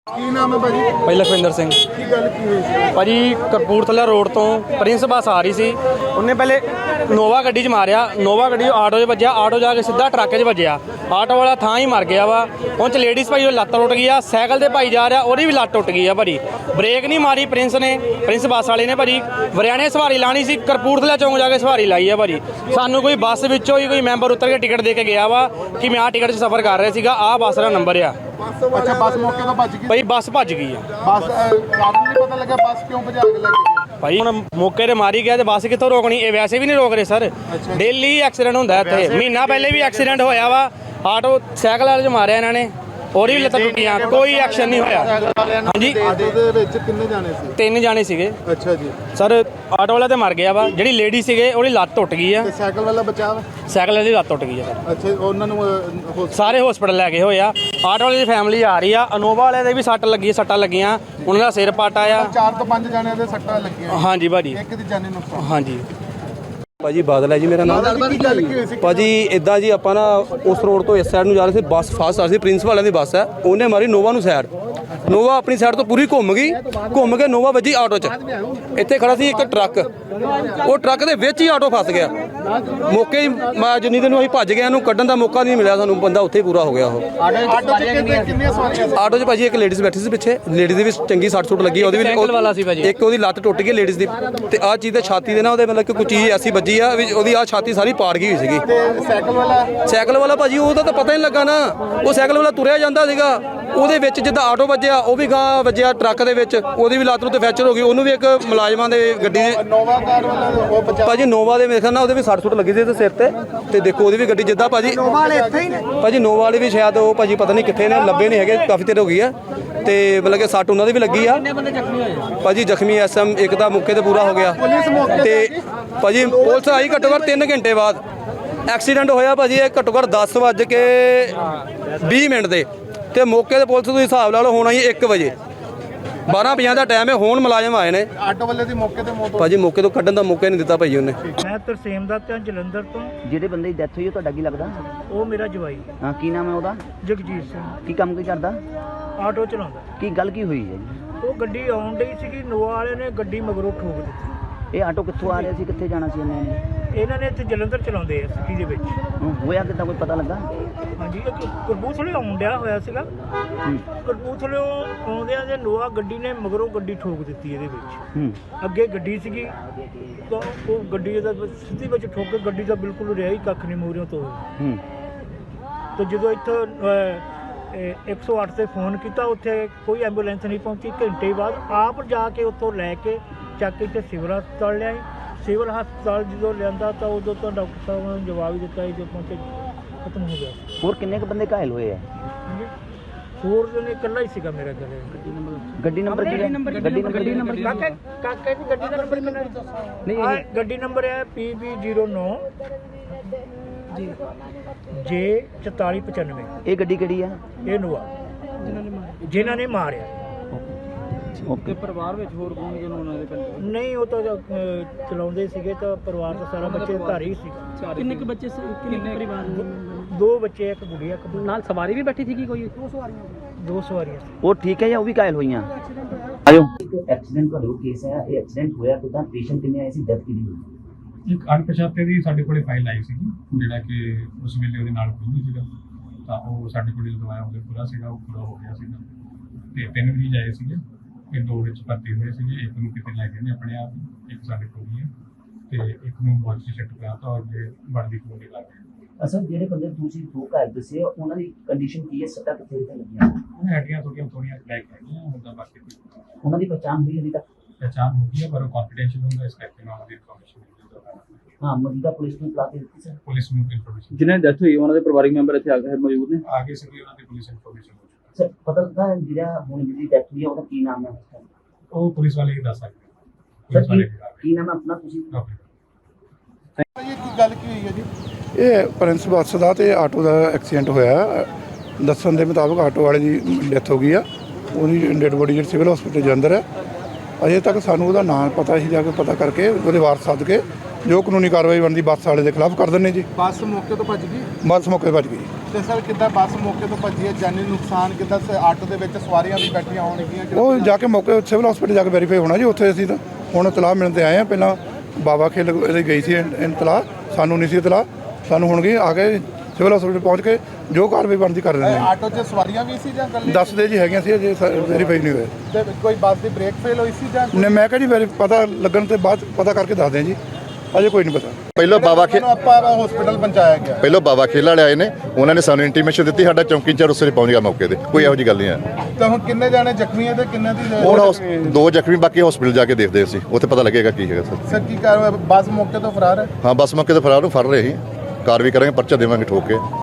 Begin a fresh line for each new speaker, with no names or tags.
ਕੀ ਨਾਮ ਹੈ ਭਾਜੀ?
ਭਾਈ ਲਖਵਿੰਦਰ ਸਿੰਘ।
ਕੀ ਗੱਲ ਕੀ ਹੋਈ ਸੀ
ਭਾਜੀ ਕਪੂਰਥਲਾ ਰੋਡ ਤੋਂ ਪ੍ਰਿੰਸ ਬੱਸ ਆ ਰਹੀ ਸੀ। ਉਹਨੇ ਪਹਿਲੇ ਨੋਵਾ ਗੱਡੀ 'ਚ ਮਾਰਿਆ। ਨੋਵਾ ਗੱਡੀ ਆਟੋ 'ਚ ਵੱਜਿਆ। ਆਟੋ ਜਾ ਕੇ ਸਿੱਧਾ ਟਰੱਕ 'ਚ ਵੱਜਿਆ। ਆਟੋ ਵਾਲਾ ਥਾਂ ਹੀ ਮਰ ਗਿਆ ਵਾ। ਉਹ 'ਚ ਲੇਡੀਜ਼ ਭਾਈ ਉਹ ਲੱਤ ਟੁੱਟ ਗਈ ਆ। ਸਾਈਕਲ ਤੇ ਭਾਈ ਜਾ ਰਿਹਾ, ਉਹਦੀ ਵੀ ਲੱਤ ਟੁੱਟ ਗਈ ਆ ਭਾਜੀ। ਬ੍ਰੇਕ ਨਹੀਂ ਮਾਰੀ ਪ੍ਰਿੰਸ ਬੱਸ ਵਾਲੇ ਨੇ ਭਾਜੀ। ਵਰਿਆਣੇ ਸਵਾਰੀ ਲਾਣੀ ਸੀ, ਕਪੂਰਥਲਾ ਚੌਂਕ ਜਾ ਕੇ ਸਵਾਰੀ ਲਾਈ ਆ ਭਾਜੀ। ਸਾਨੂੰ ਕੋਈ ਬੱਸ ਵਿੱਚੋਂ ਹੀ ਕੋਈ ਮੈਂਬਰ ਉਤਰ ਕੇ ਟਿਕਟ ਦੇ ਕੇ ਗਿਆ ਵਾ ਕਿ ਮੈਂ ਆਹ ਟਿਕਟ 'ਚ ਸਫ਼ਰ ਕਰ ਰਿਹਾ ਸੀਗਾ, ਆਹ ਬੱਸ ਦਾ ਨੰਬਰ ਆ।
ਅੱਛਾ, ਬੱਸ ਮੌਕੇ ਤੋਂ ਭੱਜ ਗਈ?
ਭਾਈ ਬੱਸ ਭੱਜ ਗਈ ਆ।
ਬੱਸ ਕਾਰਨ ਨਹੀਂ ਪਤਾ ਲੱਗਾ ਬੱਸ ਕਿਉਂ ਭਜਾ ਕੇ ਲੈ ਗਈ?
ਭਾਈ ਹੁਣ ਮੌਕੇ ਤੇ ਮਾਰੀ ਗਿਆ ਤੇ ਬੱਸ ਕਿੱਥੋਂ ਰੋਕਣੀ? ਇਹ ਵੈਸੇ ਵੀ ਨਹੀਂ ਰੋਕ ਰਹੇ ਸਰ। ਡੇਲੀ ਐਕਸੀਡੈਂਟ ਹੁੰਦਾ ਇੱਥੇ। ਮਹੀਨਾ ਪਹਿਲੇ ਵੀ ਐਕਸੀਡੈਂਟ ਹੋਇਆ ਵਾ। ਆਟੋ ਸਾਈਕਲ ਵਾਲੇ 'ਚ ਮਾਰਿਆ ਇਹਨਾਂ ਨੇ, ਉਹਦੀ ਵੀ ਲੱਤਾਂ ਟੁੱਟੀਆਂ, ਕੋਈ ਐਕਸ਼ਨ ਨਹੀਂ ਹੋਇਆ। ਹਾਂਜੀ,
ਆਟੋ ਦੇ ਵਿੱਚ ਕਿੰਨੇ ਜਾਣੇ ਸੀ?
3 ਜਾਣੇ ਸੀਗੇ
ਅੱਛਾ ਜੀ।
ਸਰ। ਆਟੋ ਵਾਲਾ ਤੇ ਮਰ ਗਿਆ ਵਾ। ਜਿਹੜੀ ਲੇਡੀ ਸੀਗੇ ਉਹਦੀ ਲੱਤ ਟੁੱਟ ਗਈ ਆ।
ਤੇ ਸਾਈਕਲ ਵਾਲਾ ਬਚਾ ਵਾ?
ਸਾਈਕਲ ਵਾਲੀ ਲੱਤ ਟੁੱਟ ਗਈ ਆ ਸਰ।
ਅੱਛਾ, ਉਹਨਾਂ ਨੂੰ
ਸਾਰੇ ਹਸਪੀਟਲ ਲੈ ਗਏ ਹੋਏ ਆ। ਆਟੋ ਵਾਲੇ ਦੀ ਫੈਮਿਲੀ ਆ ਰਹੀ ਆ। ਅਨੋਵਾ ਵਾਲੇ ਦੇ ਵੀ ਸੱਟਾਂ ਲੱਗੀਆਂ। ਉਹਨਾਂ ਦਾ ਸਿਰ ਪਾਟਾ ਆ।
4 ਤੋਂ 5 ਜਾਣਿਆਂ ਦੇ ਸੱਟਾਂ ਲੱਗੀਆਂ।
ਹਾਂਜੀ ਭਾਜੀ।
ਇੱਕ ਦੀ ਜਾਨੀ ਨੁਕਸਾਨ।
ਹਾਂਜੀ
ਭਾਜੀ ਬਾਦਲ ਹੈ ਜੀ ਮੇਰਾ ਨਾਮ।
ਕੀ ਗੱਲ ਕੀ ਹੋਈ ਸੀ?
ਭਾਜੀ ਇਦਾਂ ਜੀ ਆਪਾਂ ਨਾ ਉਸ ਰੋਡ ਤੋਂ ਇਸ ਸਾਈਡ ਨੂੰ ਜਾ ਰਹੇ ਸੀ। ਬੱਸ ਫਾਸਟ ਆ ਰਹੀ ਸੀ, ਪ੍ਰਿੰਸ ਵਾਲਿਆਂ ਦੀ ਬੱਸ ਹੈ। ਉਹਨੇ ਮਾਰੀ ਨੋਵਾ ਨੂੰ ਸਾਈਡ। ਨੋਵਾ ਆਪਣੀ ਸਾਈਡ ਤੋਂ ਪੂਰੀ ਘੁੰਮ ਗਈ। ਘੁੰਮ ਕੇ ਨੋਵਾ ਵੱਜੀ ਆਟੋ 'ਚ। ਇੱਥੇ ਖੜਾ ਸੀ ਇੱਕ ਟਰੱਕ। ਉਹ ਟਰੱਕ ਦੇ ਵਿੱਚ ਹੀ ਆਟੋ ਫਸ ਗਿਆ। ਮੌਕੇ ਹੀ ਜਿੰਨੀ ਦਿਨ ਨੂੰ ਅਸੀਂ ਭੱਜ ਗਏ, ਇਹਨੂੰ ਕੱਢਣ ਦਾ ਮੌਕਾ ਨਹੀਂ ਮਿਲਿਆ ਸਾਨੂੰ। ਬੰਦਾ ਉੱਥੇ ਹੀ ਪੂਰਾ ਹੋ ਗਿਆ ਉਹ।
ਆਟੋ 'ਚ ਕਿੰਨੀਆਂ ਸਵਾਰੀਆਂ ਸੀ?
ਆਟੋ 'ਚ ਭਾਜੀ ਇੱਕ ਲੇਡੀਜ਼ ਬੈਠੀ ਸੀ ਪਿੱਛੇ। ਲੇਡੀਜ਼ ਦੀ ਵੀ ਚੰਗੀ ਸੱਟ ਸੁੱਟ ਲੱਗੀ। ਉਹਦੀ ਵੀ ਇੱਕ ਉਹਦੀ ਲੱਤ ਟੁੱਟ ਗਈ ਲੇਡੀਜ਼ ਦੀ। ਤੇ ਆਹ ਚੀਜ਼ ਤੇ ਛਾਤੀ ਦੇ ਨਾ ਉਹਦੇ ਮਤਲਬ ਕਿ ਕੋਈ ਚੀਜ਼ ਐਸੀ ਵੱਜੀ ਆ ਵੀ ਉਹਦੀ ਆਹ ਛਾਤੀ ਸਾਰੀ ਪਾੜ ਗਈ ਹੋਈ ਸੀਗੀ।
ਤੇ ਸਾਈਕਲ ਵਾਲਾ
ਭਾਜੀ ਉਹਦਾ ਤਾਂ ਪਤਾ ਹੀ ਨਹੀਂ ਲੱਗਾ ਨਾ। ਉਹ ਸਾਈਕਲ ਵਾਲਾ ਤੁਰਿਆ ਜਾਂਦਾ ਸੀਗਾ। ਉਹਦੇ ਵਿੱਚ ਜਿੱਦਾਂ ਆਟੋ ਵੱਜਿਆ, ਉਹ ਵੀ ਗਾਂ ਵੱਜਿਆ ਟਰੱਕ ਦੇ ਵਿੱਚ। ਉਹਦੀ ਵੀ ਲੱਤ ਨੂੰ ਤੇ ਫ੍ਰੈਕਚਰ ਹੋ ਗਈ। ਉਹਨੂੰ ਵੀ ਇੱਕ ਮੁਲਾਜ਼ਮਾਂ ਦੇ ਗੱਡੀ
ਨੋਵਾ ਕਾਰ ਵਾਲਾ ਉਹ ਬਚਾ?
ਭਾਜੀ ਨੋਵਾ ਦੇ ਮੇਰੇ ਖਿਆਲ ਨਾਲ ਉਹਦੇ ਵੀ ਸੱਟ ਸੁੱਟ ਲੱਗੀ ਸੀ ਤੇ ਸਿਰ ਤੇ ਦੇਖੋ ਉਹਦੀ ਵੀ ਗੱਡੀ ਜਿੱਦਾਂ ਭਾਜੀ ਨੋਵਾ ਵਾਲੇ ਇੱਥੇ ਹੀ ਨੇ ਭਾਜੀ। ਨੋਵਾ ਵਾਲੇ ਵੀ ਸ਼ਾਇਦ ਉਹ ਭਾਜੀ ਪਤਾ ਨਹੀਂ ਕਿੱਥੇ ਨੇ, ਲੱਭੇ ਨਹੀਂ ਹੈਗੇ, ਕਾਫੀ ਦੇਰ ਹੋ ਗਈ ਆ। ਤੇ ਮਤਲਬ ਕਿ ਸੱਟ ਉਹਨਾਂ ਦੀ ਵੀ ਲੱਗੀ ਆ। ਭਾਜੀ ਜ਼ਖਮੀ ਐਸਐਮ ਇੱਕ ਦਾ ਮੌਕੇ ਤੇ ਪੂਰਾ ਹੋ ਗਿਆ। ਤੇ ਭਾਜੀ ਪੁਲਿਸ ਆਈ ਘੱਟੋ ਘੱਟ 3 ਘੰਟੇ ਬਾਅਦ। ਐਕਸੀਡੈਂਟ ਹੋਇਆ ਭਾਜੀ ਇਹ ਘੱਟੋ ਘੱਟ 10:20 ਮਿੰਟ ਦੇ। ਤੇ ਮੌਕੇ ਤੇ ਪੁਲਿਸ ਤੁਸੀਂ ਹਿਸਾਬ ਲਾ ਲਓ ਹੋਣਾ ਹੀ 1 ਵਜੇ। 12:50 ਦਾ ਟਾਈਮ ਹੈ। ਹੁਣ ਮੁਲਾਜ਼ਮ ਆਏ ਨੇ।
ਆਟੋ ਵਾਲੇ ਦੀ ਮੌਕੇ ਤੇ ਮੌਤ?
ਭਾਜੀ ਮੌਕੇ ਤੋਂ ਕੱਢਣ ਦਾ ਮੌਕਾ ਨਹੀਂ ਦਿੱਤਾ ਭਾਜੀ ਉਹਨੇ।
ਮੈਂ ਤਰਸੇਮ ਦਾ ਤੇ ਜਲੰਧਰ ਤੋਂ।
ਜਿਹੜੇ ਬੰਦੇ ਦੀ ਡੈਥ ਹੋਈ ਉਹ ਤੁਹਾਡਾ ਕੀ ਲੱਗਦਾ?
ਉਹ ਮੇਰਾ ਜਵਾਈ
ਹਾਂ, ਕੀ ਨਾਮ ਹੈ ਉਹਦਾ?
ਜਗਜੀਤ ਸਿੰਘ।
ਕੀ ਕੰਮ ਕੀ ਕਰਦਾ?
ਆਟੋ ਚਲਾਉਂਦਾ।
ਕੀ ਗੱਲ ਕੀ ਹੋਈ ਹੈ ਜੀ?
ਉਹ ਗੱਡੀ ਆਉਣ ਡਈ ਸੀਗੀ। ਨੋਆ ਵਾਲੇ ਨੇ ਗੱਡੀ ਮਗਰੋਂ ਠੋਕ ਦਿੱਤੀ।
ਇਹ ਆਟੋ ਕਿੱਥੋਂ ਆ ਰਿਹਾ ਸੀ, ਕਿੱਥੇ ਜਾਣਾ ਸੀ ਇਹਨਾਂ ਨੇ?
ਇਹਨਾਂ ਨੇ ਇੱਥੇ ਜਲੰਧਰ ਚਲਾਉਂਦੇ ਆ ਸਿਟੀ ਦੇ ਵਿੱਚ।
ਹੋਇਆ ਕਿੱਦਾਂ, ਕੋਈ ਪਤਾ ਲੱਗਾ?
ਹਾਂਜੀ, ਇੱਕ ਕਪੂਰਥਲੇ ਆਉਣ ਡਿਆ ਹੋਇਆ ਸੀਗਾ। ਕਪੂਰਥਲੇ ਆਉਂਦਿਆਂ ਦੇ ਨੋਆ ਗੱਡੀ ਨੇ ਮਗਰੋਂ ਗੱਡੀ ਠੋਕ ਦਿੱਤੀ ਇਹਦੇ ਵਿੱਚ। ਅੱਗੇ ਗੱਡੀ ਸੀਗੀ ਤਾਂ ਉਹ ਗੱਡੀ ਦਾ ਸਿੱਧੀ ਵਿੱਚ ਠੋਕ ਕੇ ਗੱਡੀ ਦਾ ਬਿਲਕੁਲ ਰਿਹਾ ਹੀ ਕੱਖ ਨਹੀਂ ਮੂਹਰਿਓਂ ਤੋਂ। ਤੇ ਜਦੋਂ ਇੱਥੋਂ 108 ਤੇ ਫੋਨ ਕੀਤਾ, ਉੱਥੇ ਕੋਈ ਐਂਬੂਲੈਂਸ ਨਹੀਂ ਪਹੁੰਚੀ। ਘੰਟੇ ਬਾਅਦ ਆਪ ਜਾ ਕੇ ਉੱਥੋਂ ਲੈ ਕੇ ਚੱਕ ਕੇ ਇੱਥੇ ਸਿਵਲ ਹਸਪਤਾਲ ਲਿਆਏ। ਸਿਵਲ ਹਸਪਤਾਲ ਜਦੋਂ ਲਿਆਂਦਾ ਤਾਂ ਉਦੋਂ ਤਾਂ ਡਾਕਟਰ ਸਾਹਿਬ ਨੇ ਜਵਾਬ ਹੀ ਦਿੱਤਾ ਜਦੋਂ ਪਹੁੰਚੇ ਖਤਮ ਹੋ ਗਿਆ।
ਹੋਰ ਕਿੰਨੇ ਕੁ ਬੰਦੇ ਘਾਇਲ ਹੋਏ ਆ?
ਹੋਰ ਜਣੇ ਇਕੱਲਾ ਹੀ ਸੀਗਾ ਮੇਰਾ ਘਰੇ।
ਗੱਡੀ ਨੰਬਰ ਕੀ ਹੈ? ਗੱਡੀ ਨੰਬਰ
ਕਾਕੇ ਦੀ ਗੱਡੀ ਦਾ ਨੰਬਰ ਕਿੰਨਾ? ਨਹੀਂ, ਗੱਡੀ ਨੰਬਰ ਹੈ PB09 J4495।
ਇਹ ਗੱਡੀ ਕਿਹੜੀ ਆ?
ਇਹ ਨੋਆ ਜਿਨ੍ਹਾਂ ਨੇ ਮਾਰਿਆ।
ਓਕੇ।
ਪਰਿਵਾਰ ਵਿੱਚ ਹੋਰ ਕੌਣ ਜਨ ਉਹਨਾਂ ਦੇ ਪਿੰਡ?
ਨਹੀਂ, ਉਹ ਤਾਂ ਚਲਾਉਂਦੇ ਸੀਗੇ ਤਾਂ ਪਰਿਵਾਰ ਦਾ ਸਾਰਾ ਬੱਚੇ ਘਰ ਹੀ ਸੀ।
ਕਿੰਨੇ ਕੁ ਬੱਚੇ ਕਿੰਨੇ ਪਰਿਵਾਰ?
2 ਬੱਚੇ, ਇੱਕ ਗੁੜੀਆ, ਇੱਕ
ਨਾਲ ਸਵਾਰੀ ਵੀ ਬੈਠੀ ਸੀ ਕੋਈ?
2 ਸਵਾਰੀਆਂ।
ਉਹ ਠੀਕ ਹੈ ਜਾਂ ਉਹ ਵੀ ਘਾਇਲ ਹੋਈਆਂ? ਆਜੋ। ਐਕਸੀਡੈਂਟ ਦਾ ਕੇਸ ਹੈ। ਇਹ ਐਕਸੀਡੈਂਟ ਹੋਇਆ ਕਿਦਾਂ? ਪੇਸ਼ੈਂਟ ਕਿੰਨੇ ਆਏ ਸੀ? ਡੈਥ ਕਿਹਦੀ ਹੋਈ?
ਇੱਕ ਅਣਪਛਾਤੇ ਦੀ ਸਾਡੇ ਕੋਲੇ ਫਾਈਲ ਆਈ ਸੀਗੀ, ਜਿਹੜਾ ਕਿ ਉਸ ਵੇਲੇ ਉਹਦੇ ਨਾਲ ਕੋਈ ਨਹੀਂ ਸੀਗਾ। ਤਾਂ ਉਹ ਸਾਡੇ ਕੋਲ ਜਦੋਂ ਆਇਆ ਉਹਦੇ ਪੂਰਾ ਸੀਗਾ, ਉਹ ਪੂਰਾ ਹੋ ਗਿਆ ਸੀਗਾ। ਤੇ 3 ਮਰੀਜ਼ ਆਏ ਸੀਗੇ। ਇਹ 2 ਵਿੱਚ ਭਰਤੀ ਹੋਏ ਸੀਗੇ। ਇੱਕ ਨੂੰ ਕਿਤੇ ਲੈ ਗਏ ਨੇ ਆਪਣੇ ਆਪ, ਇੱਕ ਸਾਡੇ ਕੋਲ ਹੀ ਹੈ। ਤੇ ਇੱਕ ਨੂੰ ਵਾਰਡ ਸ਼ਿਫਟ ਕਰਾਤਾ ਔਰ ਜੇ ਬਣਦੀ ਕੋਲ ਲੱਗ ਗਏ।
ਅਸਲ ਜਿਹੜੇ ਬੰਦੇ ਤੁਸੀਂ 2 ਘਾਇਲ ਦੱਸੇ ਉਹਨਾਂ ਦੀ ਕੰਡੀਸ਼ਨ ਕੀ ਹੈ? ਸੱਟਾਂ ਕਿੱਥੇ ਲੱਗੀਆਂ?
ਉਹਨਾਂ ਹੱਡੀਆਂ ਥੋੜੀਆਂ ਬਲੈਕ ਹੈਗੀਆਂ। ਹੁੰਦਾ ਬਾਕੀ
ਉਹਨਾਂ ਦੀ ਪਛਾਣ ਹੋਈ ਅਜੇ ਤੱਕ?
ਪਹਿਚਾਣ ਹੋ ਗਈ ਹੈ, ਪਰ ਉਹ ਕੰਫੀਡੈਂਸ਼ੀਅਲ ਹੁੰਦਾ, ਇਸ ਕਰਕੇ ਮੈਂ ਉਹਦੀ ਇਨਫੋਰਮੇਸ਼ਨ
ਹਾਂ, ਮੌਜੂਦਾ ਪੁਲਿਸ ਨੂੰ ਪਤਾ ਦਿੱਤੀ ਸਰ?
ਪੁਲਿਸ ਨੂੰ ਇਨਫੋਰਮੇਸ਼ਨ
ਜਿਹਨਾਂ ਦੀ ਡੈਥ ਹੋਈ ਉਹਨਾਂ ਦੇ ਪਰਿਵਾਰਿਕ ਮੈਂਬਰ ਇੱਥੇ ਆ ਕੇ ਮੌਜੂਦ ਨੇ?
ਆਗੇ ਸੀਗੀ ਉਹਨਾਂ ਦੀ ਪੁਲਿਸ ਇਨਫੋਰਮੇਸ਼ਨ।
ਸਰ ਪਤਾ ਲੱਗਾ ਜਿਹੜਾ ਹੁਣ ਜਿਹਦੀ ਡੈਥ ਹੋਈ ਹੈ ਉਹਦਾ ਕੀ ਨਾਮ ਹੈ?
ਉਹ ਪੁਲਿਸ ਵਾਲੇ ਹੀ ਦੱਸ ਸਕਦੇ।
ਸਰ ਕੀ ਨਾਮ ਹੈ ਆਪਣਾ? ਤੁਸੀਂ
ਇਹ ਕੀ ਗੱਲ ਕੀ ਹੋਈ ਹੈ ਜੀ? ਇਹ ਪ੍ਰਿੰਸ ਬੱਸ ਦਾ ਤੇ ਆਟੋ ਦਾ ਐਕਸੀਡੈਂਟ ਹੋਇਆ। ਦੱਸਣ ਦੇ ਮੁਤਾਬਕ ਆਟੋ ਵਾਲੇ ਦੀ ਡੈਥ ਹੋ ਗਈ ਆ। ਉਹਦੀ ਡੈਡ ਬੋਡੀ ਜਿਹੜੀ ਸਿਵਲ ਹਸਪੀਟਲ ਦੇ ਅੰਦਰ ਹੈ। ਅਜੇ ਤੱਕ ਸਾਨੂੰ ਉਹਦਾ ਨਾਮ ਪਤਾ ਸੀ, ਜਾ ਕੇ ਪਤਾ ਕਰਕੇ ਉਹਦੇ ਵਾਰਸ ਸੱਦ ਕੇ ਜੋ ਕਾਨੂੰਨੀ ਕਾਰਵਾਈ ਬਣਦੀ ਬੱਸ ਵਾਲੇ ਦੇ ਖਿਲਾਫ ਕਰ ਦਿੰਦੇ ਜੀ।
ਬੱਸ ਮੌਕੇ ਤੋਂ ਭੱਜ ਗਈ
ਬੱਸ ਮੌਕੇ ਤੇ ਭੱਜ ਗਈ।
ਤੇ ਸਰ ਕਿੱਦਾਂ ਬੱਸ ਮੌਕੇ ਤੋਂ ਭੱਜੀ ਹੈ, ਜਾਨੀ ਨੁਕਸਾਨ ਕਿੱਦਾਂ ਆਟੋ ਦੇ ਵਿੱਚ ਸਵਾਰੀਆਂ ਵੀ ਬੈਠੀਆਂ ਹੋਣਗੀਆਂ?
ਉਹ ਜਾ ਕੇ ਮੌਕੇ ਸਿਵਲ ਹਸਪੀਟਲ ਜਾ ਕੇ ਵੈਰੀਫਾਈ ਹੋਣਾ ਜੀ। ਉੱਥੇ ਅਸੀਂ ਤਾਂ ਹੁਣ ਇਤਲਾਹ ਮਿਲਣ ਤੇ ਆਏ ਹਾਂ। ਪਹਿਲਾਂ ਬਾਬਾ ਖੇਲ ਇਹਦੀ ਗਈ ਸੀ ਇਤਲਾਹ, ਸਾਨੂੰ ਨਹੀਂ ਸੀ ਇਤਲਾਹ। ਸਾਨੂੰ ਹੁਣ ਗਈ ਆ ਕੇ ਸਿਵਲ ਹਸਪੀਟਲ ਪਹੁੰਚ ਕੇ ਜੋ ਕਾਰਵਾਈ ਬਣਦੀ ਕਰ ਦਿੰਦੇ ਹਾਂ।
ਆਟੋ 'ਚ ਸਵਾਰੀਆਂ ਵੀ ਸੀ ਜਾਂ ਇਕੱਲੇ?
ਦੱਸਦੇ ਜੀ ਹੈਗੀਆਂ ਸੀ, ਅਜੇ ਵੈਰੀਫਾਈ ਨਹੀਂ ਹੋਇਆ।
ਤੇ ਕੋਈ ਬੱਸ ਦੀ ਬ੍ਰੇਕ ਫੇਲ ਹੋਈ ਸੀ ਜਾਂ
ਨੇ ਮੈਂ ਕਿਹਾ ਜੀ ਪਤਾ ਲੱਗਣ ਤੇ ਬਾਅਦ ਪਤਾ ਕਰਕੇ ਦੱਸਦੇ ਹਾਂ ਜੀ, ਅਜੇ ਕੋਈ ਨਹੀਂ ਪਤਾ।
ਪਹਿਲਾਂ ਬਾਬਾ
ਆਪਾਂ ਹਸਪੀਟਲ ਪਹੁੰਚਾਇਆ ਗਿਆ?
ਪਹਿਲਾਂ ਬਾਬਾ ਖੇਲ ਵਾਲੇ ਆਏ ਨੇ, ਉਹਨਾਂ ਨੇ ਸਾਨੂੰ ਇੰਟੀਮੇਸ਼ਨ ਦਿੱਤੀ, ਸਾਡਾ ਚੌਂਕੀ ਇੰਚਾਰਜ ਉਸੇ ਪਹੁੰਚ ਗਿਆ ਮੌਕੇ ਤੇ। ਕੋਈ ਇਹੋ ਜਿਹੀ ਗੱਲ ਨਹੀਂ ਹੈ।
ਤਾਂ ਹੁਣ ਕਿੰਨੇ ਜਾਣੇ ਜ਼ਖਮੀ ਹੈ ਤੇ ਕਿੰਨੇ ਦੀ
ਹੁਣ 2 ਜ਼ਖਮੀ, ਬਾਕੀ ਹਸਪੀਟਲ ਜਾ ਕੇ ਦੇਖਦੇ ਅਸੀਂ, ਉੱਥੇ ਪਤਾ ਲੱਗੇਗਾ ਕੀ ਹੈਗਾ ਸਰ।
ਸਰ ਕੀ ਕਾਰਵਾਈ, ਬੱਸ ਮੌਕੇ ਤੋਂ ਫਰਾਰ ਹੈ?
ਹਾਂ ਬੱਸ ਮੌਕੇ ਤੇ ਫਰਾਰ ਨੂੰ ਫੜ ਰਹੇ ਸੀ, ਕਾਰਵਾਈ ਕਰਾਂਗੇ, ਪਰਚਾ ਦੇਵਾਂਗੇ ਠੋਕ ਕੇ।